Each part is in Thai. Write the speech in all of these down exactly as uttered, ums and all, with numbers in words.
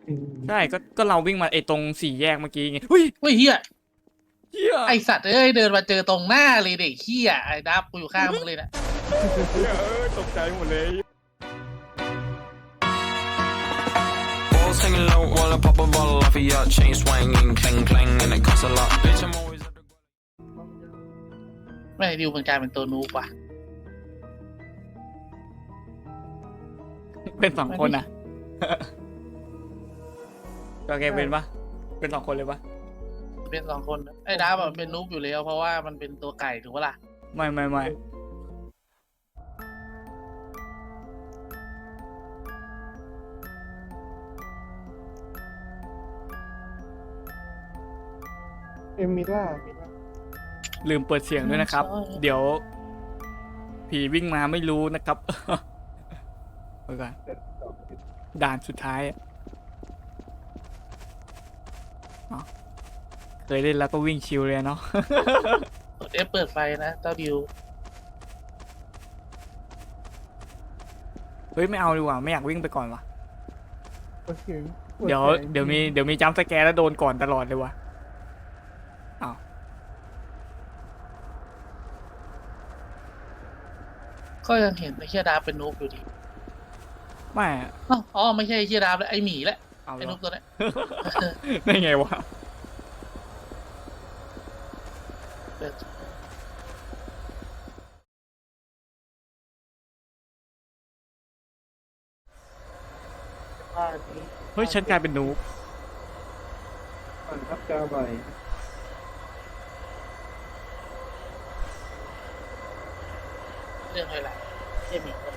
ใช่ก็ก็เราวิ่งมาไอ้ตรงสี่แยกเมื่อกี้ไงเฮ้ยเฮ้ยเฮียเฮียไอสัตว์เอ้ยเดินมาเจอตรงหน้าเลยเด็กเฮียไอ้ดับกูอยู่ข้างมึงเลยนะเฮียเอ้ยตกใจหมดเลย Balls hanging low while I pop a bottle off of your chain swinging, clang clang, and it costs a lot. Bitch, I'm always at the ไม่ดิวมันกลายเป็นตัวนูบว่ะเป็นสองคนอ่ะ ก็แกเป็นปะเป็นสองคนเลยปะเป็นสองคนไอ้ดับแบบเป็นนูบอยู่แล้วเพราะว่ามันเป็นตัวไก่ถูกปะล่ะไม่ไม่ไม่เอมิล่ามิล่าลืมเปิดเสียงด้วยนะครับ เดี๋ยว ผีวิ่งมาไม่รู้นะครับไปก่อนเสร็จสองด่านสุดท้ายอะอ๋อเคยเล่นแล้วก็วิ่งชิวเลยเนาะกดเอฟเปิดไฟนะเจ้าดิวเฮ้ยไม่เอาดีกว่าไม่อยากวิ่งไปก่อนวะเปิดเสียงเดี๋ยวเดี๋ยวมีเดี๋ยวมีจัมป์สแกร์แล้วโดนก่อนตลอดเลยวะอ้าวก็ยังเห็นไอ้เฮียดับเป็นนูบอยู่ดีไม่อะอ้าวอ๋อไม่ใช่ไอ้เฮียดับแล้วไอ้หมีแหละเอาไอ้เหรนูอบตัวเนี้ยได้ไงวะเปิดบ้านนี้เฮ้ยฉันกลายเป็นนูบผ่านทับกาใบเรื่องอะไรไอ้หมีคน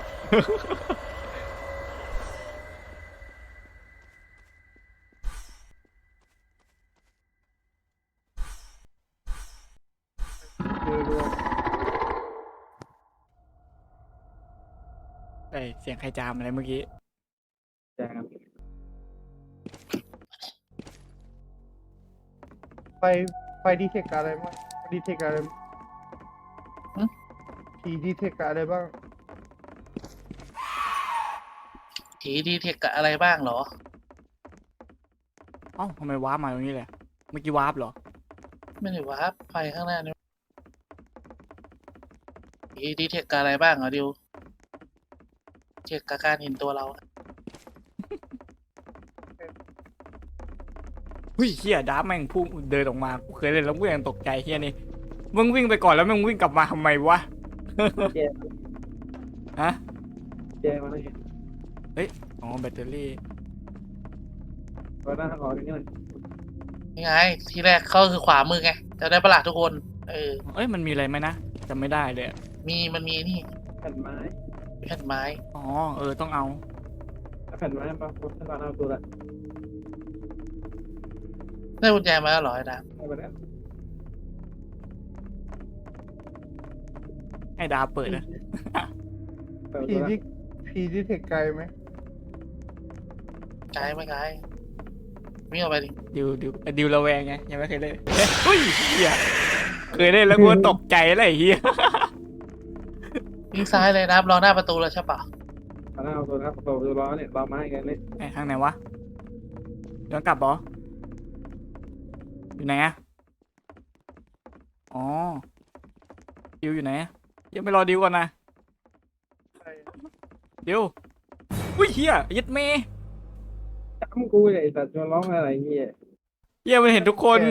เรือรวมไอยเสียงใครจามอะไรเมื่อกี้แจงไฟไฟดีเทคอะไรบ้างดีเทคอะไรผีดีเทคอะไรบ้างผีดีเทคกับอะไรบ้างเหรอเอ้าทำไมวาร์ปมาตรงนี้เลยเมื่อกี้วาร์ปเหรอไม่ได้ว่าไฟข้างหน้านี่ผีดีเทคกับอะไรบ้างเหรอดิวเช็คกับการเห็นตัวเราเฮ้ยเฮียดาร์ฟแม่งพุ่งเดินออกมากูเคยเล่นแล้วกูยังตกใจเฮียนี่มึงวิ่งไปก่อนแล้วมึงวิ่งกลับมาทำไมวะแจงฮะแจงมาเลยอ๋อแบตเตอรี่ก็น่าขออย่างนี้เลยยังไง ทีแรกเขาคือขวามือไงจะได้ประหลาดทุกคน เออเอ้ยมันมีอะไรไหมนะจำไม่ได้เลยอะมีมันมีนี่แผ่นไม้แผ่นไม้อ๋อเออต้องเอาถ้าแผ่นไม้ปะผมจะเอาตัวละได้กุญแจมาแล้วเหรอไอ้ดามได้ไปแล้วให้ดาร์ฟเปิดนะผีดีผีดีเทคไกลไหมไกลไม่ไกลวิ่งออกไปดิดิวดิวดิวระแวงไงยังไม่เคยเล่นเฮ้ยเฮียเคยเล่นแล้วกูตกใจอะไรเฮียวิ่งซ้ายเลยนะรอหน้าประตูแล้วใช่ปะเอาหน้าเอาตัวนะตัวตัวล้อเนี่ยล้อไม้กันเลยไอ้ทางไหนวะย้อนกลับบออยู่ไหนอะอ๋อดิวอยู่ไหนอะยังไม่รอดิวก่อนนะดิวอุ้ยเฮียยัดเมย์จำกูเลยแต่จะร้องอะไรเงี้ยเฮียมันเห็นทุกคน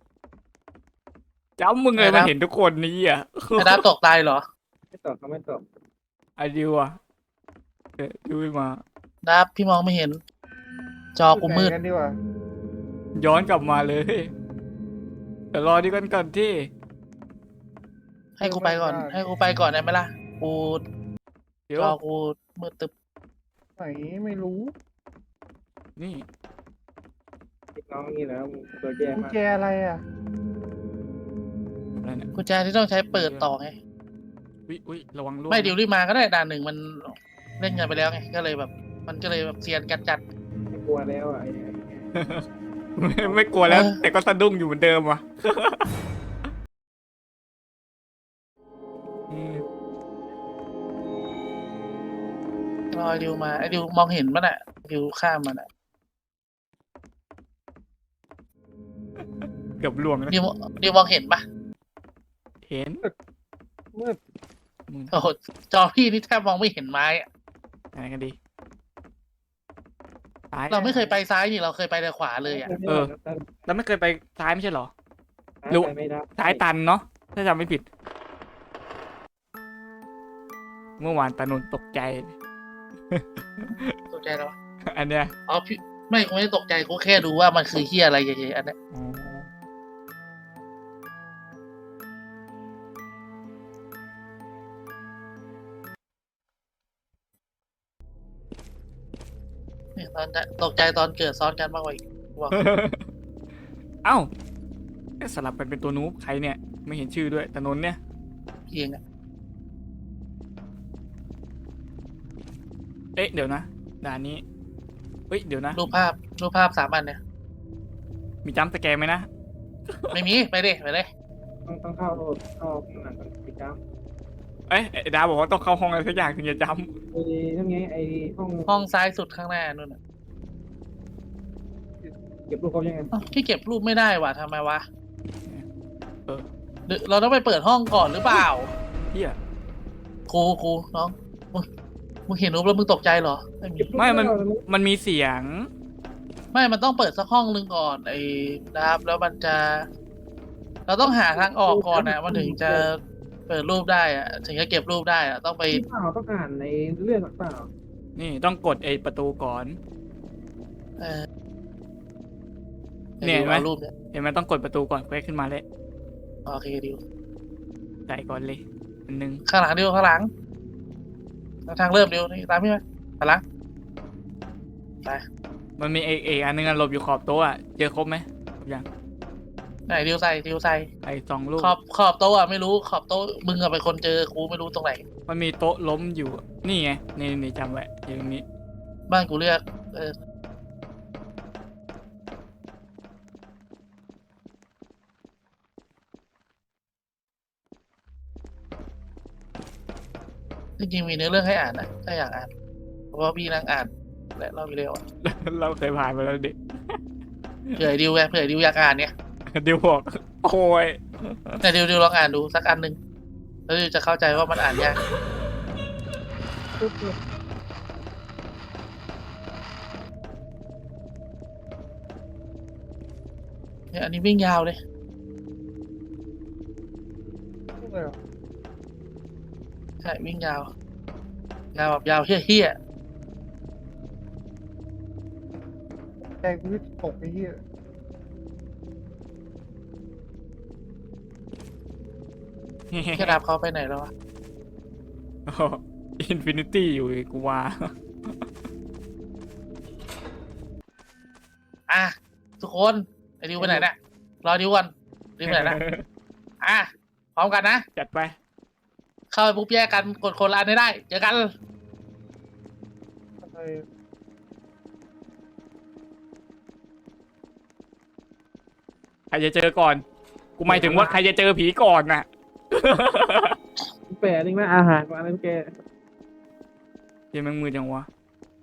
จ้ามึงเลยมันเห็นทุกคนนี่อ่ะไอ้ดามตกตายเหรอไม่ตอบเขาไม่ตอบไอดิวอ่ะเออดิวไม่มาดามพี่มองไม่เห็น จอกูมืดกันดีกว่าย้อนกลับมาเลยเดี๋ยวรอดีกันก่อนที่ให้กูไปก่อน ให้กูไปก่อนได้ไหมล่ะ กูเดี๋ยวจอกูมืดตึบไหนไม่รู้นี่น้องนี่แล้วตัวแย่กุญมากแจอะไรอ่ะอะไรเนี่ยกุญแจที่ต้องใช้เปิดต่อไงอุ้ยอุ้ยระวังล่วงไม่ดิวรีบมาก็ได้ด่านหนึ่งมันเล่นกันไปแล้วไง ก็เลยแบบ มันก็เลยแบบเซียนกันจัดไม่กลัวแล้วอ่ะไม่ไม่กลัวแล้วเออแต่ก็สะดุ้งอยู่เหมือนเดิมว่ะอืมรอไอ้ดิวมาไอ้ดิวมองเห็นมันอ่ะดิวข้ามมันอ่ะเกือบล่วงแล้วดิวดิวมองเห็นปะเห็นมืดมึงโอ้โหจอพี่นี่แทบมองไม่เห็นไม้อะอะไรกันดีซ้ายเราไม่เคยไปซ้ายนี่เราเคยไปแต่ขวาเลยอ่ะเออ เราไม่เคยไปซ้ายไม่ใช่เหรอรู้รู้ไม่ได้ซ้ายตันเนาะถ้าจำไม่ผิด เมื่อวานตานุนตกใจตกใจแล้ววะอันเนี้ยอ๋อพี่ไม่กูไม่ได้ตกใจกูแค่ดูว่ามันคือเฮียอะไรเฉยๆอันเนี้ยอ๋อเนี่ยตอนจะตกใจตอนเกิดซ้อนกันมากกว่าอีกว่าเอ้าเอ๊ะสลับกันเป็นตัวนูบใครเนี่ย ไม่เห็นชื่อด้วยตานนท์เนี่ยพี่เองอะเอ๊ะเดี๋ยวนะด่านนี้เฮ้ยเดี๋ยวนะรูปภาพรูปภาพสามอันเนี่ยมีจัมป์สแกร์ไหมนะไม่มีไปดิไปเลยต้องต้องเข้าเข้าหนังกันปิดจ้เอ้ยไอ้ดาวบอกว่าต้องเข้าห้องอะไรสักอย่างถึงจะจำไอ้นั่นไงไอ้ห้องห้องซ้ายสุดข้างหน้านู่นน่ะเก็บรูปเขายังไงอ้าวพี่เก็บรูปไม่ได้ว่ะทำไมวะำเออหรือเราต้องไปเปิดห้องก่อนหรือเปล่าเฮียครูครูน้องมึงมึงเห็นรูปแล้วมึงตกใจเหรอไม่มีไม่มันมันมีเสียงไม่มันต้องเปิดสักห้องหนึ่งก่อนไอ้นะครับแล้วมันจะ เราต้องหาทางออกก่อนนะมันถึงจะเปิดรูปได้อะถึงจะเก็บรูปได้อะต้องไปเปล่าต้องอ่านในเรื่องเปล่านี่ต้องกดไอ้ประตูก่อนเออเนี่ยเห็นไหมอารูปเนี่ยเห็นไหมต้องกดประตูก่อนเพื่อให้ขึ้นมาเลยโอเคดิวใส่ก่อนเลยอันหนึงข้างหลังดิวข้างหลังทางเริ่มดิวนี่ตามพี่ไหมข้างหลังไปมันมีเอกเอกอันหนึงอะหลบอยู่ขอบโต๊ะอะเจอครบไหมครบยังไหนดิวใส่ดิวใส่ไอ้สองลูกขอบขอบโต๊ะอะไม่รู้ขอบโต๊ะมึงอะเป็นคนเจอครูไม่รู้ตรงไหนมันมีโต๊ะล้มอยู่ นี่ไงนี่นี่จำไว้อยู่ตรงนี้บ้านกูเรียกเออจริงๆมีเนื้อเรื่องให้อ่านนะถ้าอยากอ่านเพราะว่าพี่นั่งอ่านและเล่าไปเร็วอะเราเคยผ่านมาแล้วเด็กเผื่อไอ้ดิวไงเผื่อไอ้ดิวอยากอ่านเนี่ยเดี๋ยวบอกโอ้ยแต่ดิวดิวลองอ่านดูสักอันหนึ่งแล้วดิวจะเข้าใจว่ามันอ่านยากปุ๊บปุ๊บเนี่ยอันนี้วิ่งยาวเลยปุ๊บเลยเหรอใช่วิ่งยาว ยาวแบบยาวเฮี้ยใจกูที่ตกไอ้เหี้ยๆแค่รับเขาไปไหนแล้ววะอินฟินิตี้อยู่อีกกูว่าอ่ะทุกคนไอ้ดิวไปไหนเนี่ยรอดิวก่อนดิวไปไหนนะอ่ะพร้อมกันนะจัดไปเข้าไปปุ๊บแยกกันกดคนละอันให้ได้เจอกันอะไรใครจะเจอก่อน กูหมายถึงว่าใครจะเจอผีก่อนน่ะแปะนี่นะอาหารกับอะไรแกเดี๋ยวแมงมือจังวะ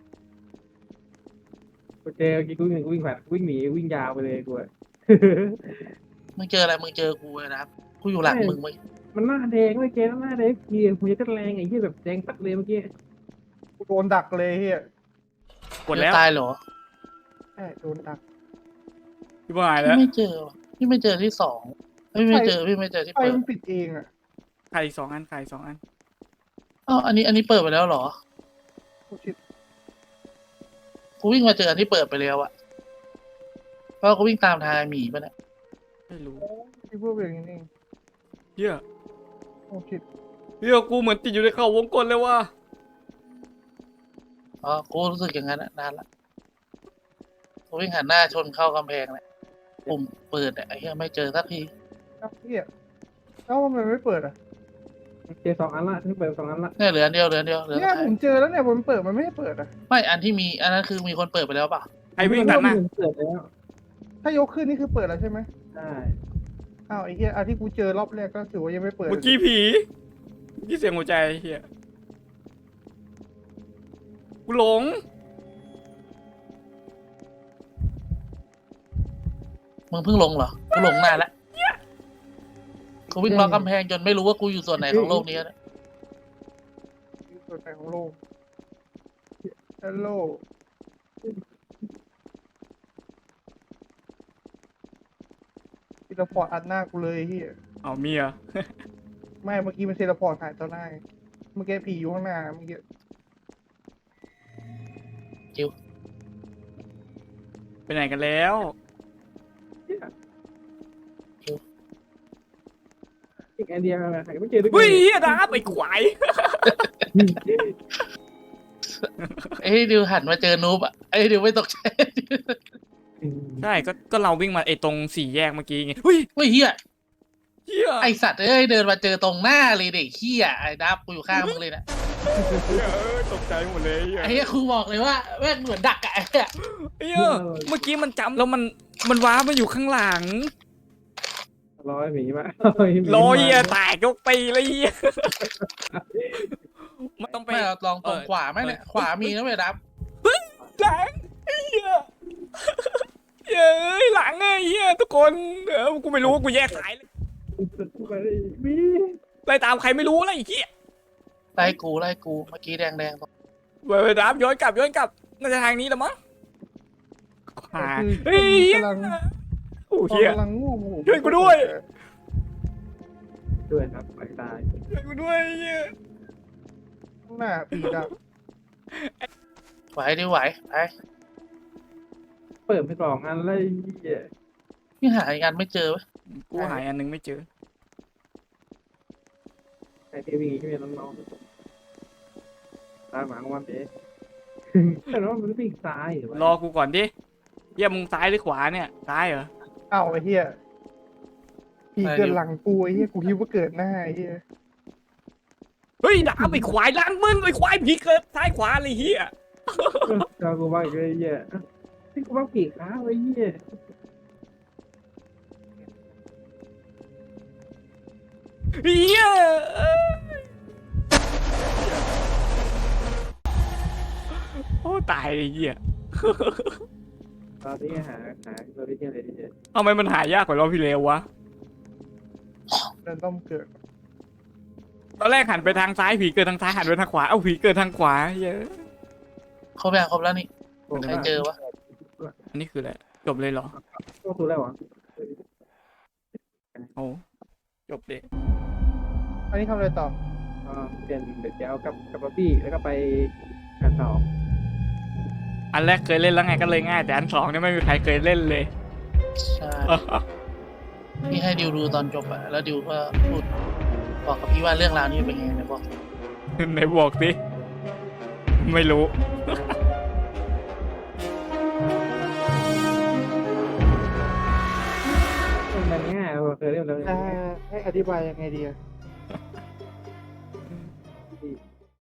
กูเจอเมื่อกี้กูวิ่งวิ่งผ่านวิ่งหนีวิ่งยาวไปเลยกูอะมึงเจออะไรมึงเจอกูเลยนะครับกูอยู่หลังมึงมึงมันหน้าแดงไม่แกหน้าแดงเกียร์หัวจะแรงไอ้เหี้ยแบบแดงปัดเลยเมื่อกี้กูโดนดักเลยเฮียกดแล้วตายเหรอใช่โดนดักพี่บายพี่แล้วไม่เจอว่ะพี่ไม่เจอที่สองพี่ไม่เจอพี่ไม่เจอที่ไฟเปิดมันปิดเองอ่ะใครสองอันใครสองอันอ๋ออันนี้อันนี้เปิดไปแล้วเหรอโอ้ชิตกูวิ่งมาเจออันที่เปิดไปแล้วอะเพราะกูวิ่งตามทางหมีไปเนี่ยไม่รู้โอ้ที่พวกอย่างนี้เองเฮียโอ้ชิตเฮียกูเหมือนติดอยู่ในเขาวงกลเลยว่ะอ๋อกูรู้สึกอย่างนั้นอะนานละกูวิ่งหันหน้าชนเข้ากำแพงเลยปุ่มเปิดเนี่ยไอ้เหี้ยไม่เจอสักทีครับเฮียเอ้าทำไมไม่เปิดอ่ะเจอสองอันละที่เปิดสองอันละเนี่ยเหลืออันเดียวเหลืออันเดียวเหลือเนี่ยผมเจอแล้วเนี่ยผมเปิดมันไม่ให้เปิดอ่ะไม่อันที่มีอันนั้นคือมีคนเปิดไปแล้วเปล่าไอวิ่งตัดหน้าเปิดแล้วถ้ายกขึ้นนี่คือเปิดแล้วใช่ไหมใช่อ้าวไอ้เหี้ยอันที่กูเจอรอบแรกก็ถือว่ายังไม่เปิดเมื่อกี้ผีเมื่อกี้เสียงหัวใจเฮียกูหลงมึงเพิ่งลงเหรอกูหลงนานแล้วกูวิ่งล้อกำแพงจนไม่รู้ว่ากูอยู่ส่วนไหนของโลกนี้แล้วส่วนไหนของโลกฮัลโหลเทเลพอร์ตอัดหน้ากูเลยไอ้เฮียเอามีเหรอไม่เมื่อกี้มันเทเลพอร์ตหายต่อหน้าเมื่อกี้ผีอยู่ข้างหน้าเมื่อกี้จิวไปไหนกันแล้วอีกไอเดียอะไรหาไม่เจอด้วยเฮ้ยเหี้ยดาบไอ้ควายเอ้ยดิวหันมาเจอนูบอ่ะไอ้ยดิวไม่ตกใจใช่ก็ก็เราวิ่งมาไอ้ตรงสี่แยกเมื่อกี้ไงเฮ้ยเฮ้ยเฮียเหี้ยไอสัตว์เอ้ยเดินมาเจอตรงหน้าเลยเด็กเฮียไอ้ดับกูอยู่ข้างมึงเลยนะเหี้ยเอ้ยตกใจหมดเลยเหี้ยไอ้เฮียครูบอกเลยว่าแม่งเหมือนดักอะไอ้เหี้ยเหี้ยเมื่อกี้มันจำแล้วมันมันว้ามาอยู่ข้างหลังร้อยหมีมาลอยเหี้ยแตกยกปีเลยเหี้ยมันต้องไปไม่เราลองตรงเออขวาไหมเนี่ยขวามีนะเว้ยดับหลังเหี้ยเย้ยหลังไอ้เหี้ยทุกคนเออกูไม่รู้ว่ากูแยกสายเลยไปมีไล่ตามใครไม่รู้อะไรไอ้เหี้ยไล่กูไล่กูเมื่อกี้แดงแดงๆตรงเว้ยดับย้อนกลับย้อนกลับน่าจะทางนี้แหละมั้งขวาคือเฮ้ยกำลังโอ้เหี้ยกำลังง่วงช่วยกูด้วยด้วยครับไปตายช่วยกูด้วยเหี้ยข้างหน้าผีดับไหวดิไหวไปเปิดไปสองอันเลยเหี้ยพี่หาอีกอันไม่เจอเว้ยกูหายอันนึงไม่เจอไอเทวีที่เป็นน้องๆตามหมาของมันเอ๊ะแต่ว่ามันวิ่งซ้ายหรือรอกูก่อนดิเหี้ยมึงซ้ายหรือขวาเนี่ยซ้ายเหรอเอ้าไอ้เฮียผีเกิดหลังกูไอ้เฮียกูคิดว่าเกิดหน้าไอ้เฮียเฮ้ยดาบไอ้ควายล้างมึงไอ้ควายผีเกิดซ้ายขวาเลยเหี้ยเรากูว่าอีกเลยเหี้ยที่กูว่าปีกขาไว้เหี้ยเหี้ยโอ้ตายเลยเหี้ยตอนนี้หาหาตัวที่อะไรดีทำไมมันหายากกว่ารอบที่แล้ววะเดินต้องเกิดตอนแรกหันไปทางซ้ายผีเกิดทางซ้ายหันไปทางขวาเอ้าผีเกิดทางขวาเหี้ยครบยังครบแล้วนี่ ใครเจอวะอันนี้คืออะไรจบเลยเหรอตัวตัวแล้วเหรอโอ้จบเลยอันนี้ทำอะไรต่ออ่าเปลี่ยนเดี๋ยวจะเอากับกับป๊อปปี้แล้วก็ไปอันสองอันแรกเคยเล่นแล้วไงก็เลยง่ายแต่อันสองเนี่ยไม่มีใครเคยเล่นเลยใช่พี่ให้ดิวดูตอนจบอะแล้วดิวก็พูดบอกกับพี่ว่าเรื่องราวนี้เป็นไงนะบอกไหนบอกสิไม่รู้มันง่ายเคยเล่นแล้วอ่าให้อธิบายยังไงดีอะ